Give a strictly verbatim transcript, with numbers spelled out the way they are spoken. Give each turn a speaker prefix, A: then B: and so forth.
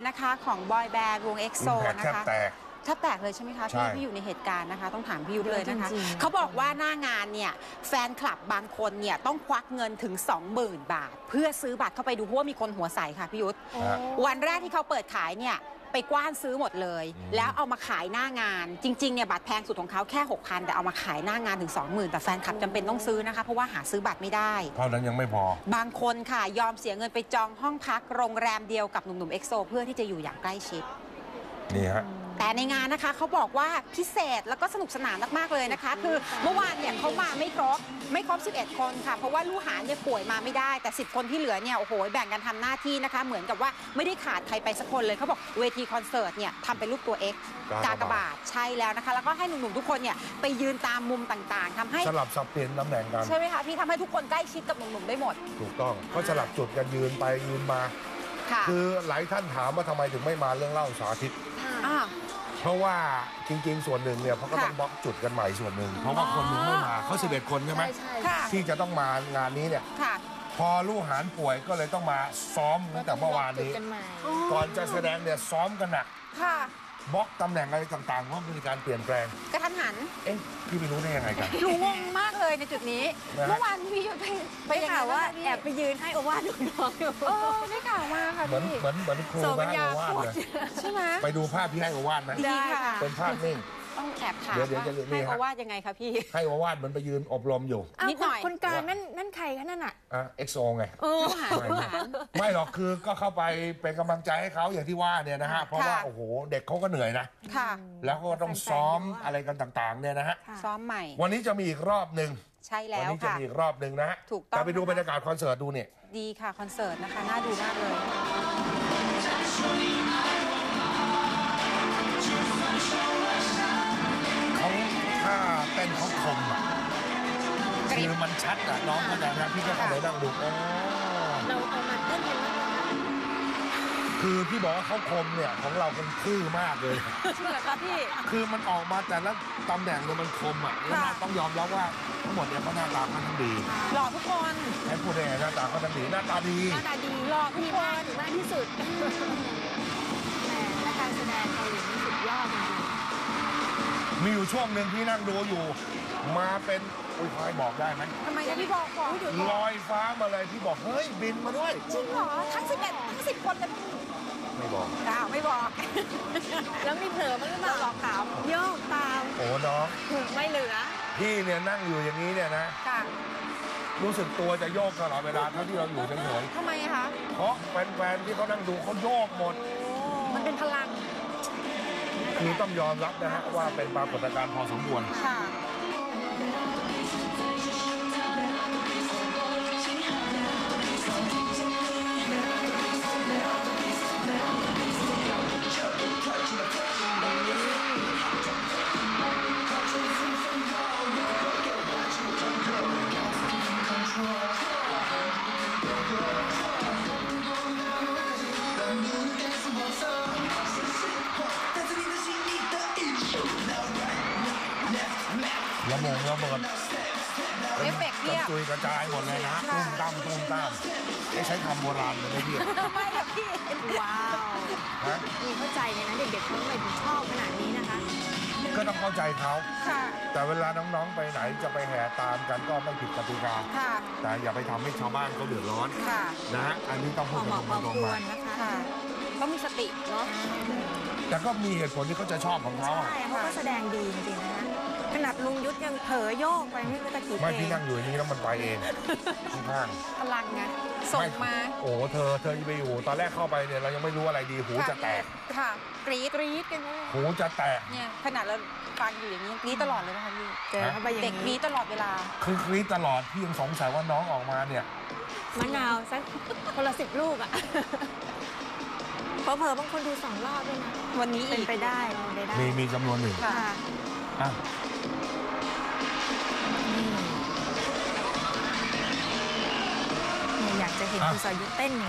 A: นะคะของบอยแบนด์วงเอ็กโซนะคะแทบแตกแทบแตกเลยใช่ไหมคะพี่พี่อยู่ในเหตุการณ์นะคะต้องถามพี่ยุทธเลยนะคะเขาบอกว่าหน้างานเนี่ยแฟนคลับบางคนเนี่ยต้องควักเงินถึง สองหมื่น บาทเพื่อซื้อบัตรเข้าไปดูเพราะว่ามีคนหัวใสค่ะพี่ยุทธวันแรกที่เขาเปิดขายเนี่ยไปกว้านซื้อหมดเลยแล้วเอามาขายหน้างานจริงๆเนี่ยบัตรแพงสุดของเขาแค่ หกพัน แต่เอามาขายหน้างานถึง สองหมื่น แต่แฟนคลับจำเป็นต้องซื้อนะคะเพราะว่าหาซื้อบัตรไม่ได้
B: เท่านั้นยังไม่พอบ
A: างคนค่ะยอมเสียเงินไปจองห้องพักโรงแรมเดียวกับหนุ่มๆเอ็กโซเพื่อที่จะอยู่อย่างใกล้ชิด
B: นี่ฮะ
A: แต่ในงานนะคะเขาบอกว่าพิเศษแล้วก็สนุกสนานมากๆเลยนะคะคือเมื่อวานเนี่ยเขามาไม่ครบไม่ครบสิบเอ็ดคนค่ะเพราะว่าลูกหาเนี่ยป่วยมาไม่ได้แต่สิบคนที่เหลือเนี่ยโอ้โหแบ่งกันทำหน้าที่นะคะเหมือนกับว่าไม่ได้ขาดใครไปสักคนเลยเขาบอกเวทีคอนเสิร์ตเนี่ยทำเป็นรูปตัว X กากบาทใช่แล้วนะคะแล้วก็ให้หนุ่มๆทุกคนเนี่ยไปยืนตามมุมต่างๆทำให้
B: สลับสับเปลี่ยนตำแหน่งกัน
A: ใช่ไหมคะพี่ทำให้ทุกคนใกล้ชิดกับหนุ่มๆได้หมด
B: ถูกต้องเขาสลับจุดกันยืนไปยืนมาคือหลายท่านถามว่าทำไมถึงไม่มาเรื่องเล่าสาธิตเพราะว่าจริงๆส่วนหนึ่งเนี่ยเขาก็ต้องบล็อกจุดกันใหม่ส่วนหนึ่งเพราะว่าคนหนึ่งไม่มาเขาสิบเอ็ดคนใช่ไหมที่จะต้องมางานนี้เนี่ยพอลูกหานป่วยก็เลยต้องมาซ้อมตั้งแต่เมื่อวานนี้ก่อนจะแสดงเนี่ยซ้อมกันหนักบล็อกตำแหน่งอะไรต่างๆเพราะมีการเปลี่ยนแปลง
A: กระทันหัน
B: เอ๊ะพี่ไม่รู้ได้ยังไงกัน
A: รู้งงมากเลยในจุดนี้เมื่อวานพี่ไป
C: ไปข่าวว่าแอบไปยืนให้โอวาทน้องอยู่
A: เออได้ข่าวมาค่ะ
B: เหมือนเหมือนเหมือนครูให้โอวาทเลย
A: ใช่ไหม
B: ไปดูภาพพี่ให้โอวาทไหม
A: ได้ค่ะ
B: เป็นภาพนิ่ง
A: ต้องแอบถาม
B: เดี๋ยวเดี๋ยวจะ
A: ให้โอวาทยังไงคะพี่
B: ให้โอวาทเหมือนไปยืนอบรมอยู่
A: นิดหน่อย
C: คนกลางนั่นนั่นใครคะนั่นอ่ะ
B: อ่ะเอ็กโซไง
A: ไ
B: ม่หรอกคือก็เข้าไปเป็นกำลังใจให้เขาอย่างที่ว่าเนี่ยนะฮะเพราะว่าโอ้โหเด็กเขาก็เหนื่อยนะ
A: ค่ะ
B: แล้วก็ต้องซ้อมอะไรกันต่างๆเนี่ยนะฮะ
A: ซ้อมใหม่
B: วันนี้จะมีอีกรอบหนึ่ง
A: ใช่แล้วค่ะวัน
B: นี้จะมีอีกรอบหนึ่งนะฮะ
A: ถูกต้อง
B: แต่ไปดูบรรยากาศคอนเสิร์ตดูเนี่ย
A: ดีค่ะคอนเสิร์ตนะคะน่าดูมากเลย
B: เขาถ้าเต้นเขาคมอ่ะคือมันชัดอ่ะน้องเข้าใจนะพี่ก็เลยนั่งดูอ๋อ
C: เราเอามาเต้นกันแล้ว
B: คือพี่บอกว่าเขาคมเนี่ยของเราเป็นซื่อมากเลย
A: ใช่เหรอคะพี่
B: คือมันออกมาแต่ละตำแหน่งเนี่ยมันคมอ่ะแล้วต้องยอมรับว่าทั้งหมดเนี่ยเขาหน้าตาเขาทั้งดี
A: หล่อทุกคน
B: ให้พูดได้ไงหน้าตาเขาทั้งดีหน้าตาดี
C: หน้าตาดี
A: หล่อทุกคน
C: มากที่สุดแหมและการแสดงเกาหลีนี่สุดยอดจริง
B: มีอยู่ช่วงหนึ่งที่นั่งดูอยู่มาเป็นอุ้ยพายบอกได้ไหม
A: ทำไมพี่บอกบอก
B: ลอยฟ้ามาเลยพี่บอกเฮ้ยบินมาด้วย
A: จริงเหรอทั้งสิบเอ็ดทั้งสิบคนเลย
B: ไม่บอก
A: ข่าวไม่บอก
C: แล้วมีเผลอมั้งหรือเปล่า
A: บอกข่าว
C: โยกตาม
B: โอ้น้อง
C: ไม่เหลือ
B: พี่เนี่ยนั่งอยู่อย่างนี้เนี่ยนะรู้สึกตัวจะโยกตลอดเวลาเท่าที่เราอยู่เฉย
A: ๆทำไมคะ
B: เพราะแฟนๆที่เขานั่งดูเขาโยกหมด
A: มันเป็นพลัง
B: คือต้องยอมรับนะฮะว่าเป็นปรากฏการณ์พอสมควร
A: ค่ะ
B: ระมงระเบิด
A: เอฟเฟกต์เนี่ย
B: จุยกระจายหมดเลยนะตุ้มตั้มตุ้มตั้มไม่ใช้คำโบราณเลยไม่พี่
A: ไม่หรอกพี่
C: ว้าวนี่เข้าใจเลยนะเด็กๆเขาเลยชอบขนาดนี้นะคะ
B: ก็ต้องเข้าใจเขาแต่เวลาน้องๆไปไหนจะไปแห่ตามกันก็ไม่ผิดกติกาแต่อย่าไปทำให้ชาวบ้านเขาเดือดร้อนนะฮะอันนี้ต้องพูดตรงๆมา
A: นะคะต้องมีสติเนาะ
B: แต่ก็มีเหตุผลที่เขาจะชอบของเขา
C: ใช่เขาก็แสดงดีจริงๆนะขนาดลุงยุทธยังเผลอโยกไปไม่รู้ตะกี้
B: ไม่พี่นั่งอยู่อย่างนี้แล้วมันไปเองข้าง
A: พลังไงส่งมา
B: โอ้เธอเธอไปอยู่ตอนแรกเข้าไปเนี่ยเรายังไม่รู้อะไรดีหูจะแตก
A: ค่ะกรี๊ดกรี๊ดกัน
B: หูจะแตก
A: เนี่ยขนาดเราฟังอยู่อย่างนี้กรี๊ดตลอดเลยนะคะพี่เจอเข้าไปอย่างนี้เด็กกรี๊ดตลอดเวลา
B: คือกรี๊ดตลอดพี่ยังสงสัยว่าน้องออกมาเนี่ย
C: มะนาวสักคนละสิบลูกอ่ะเผลอๆบางคนดูสองรอบด้วยนะ
A: วันนี้
C: เป็นไปได้
B: มีมีจำนวนหนึ่ง
A: ค่ะ
C: อยากจะเห็นคุณสรยุทธเต้น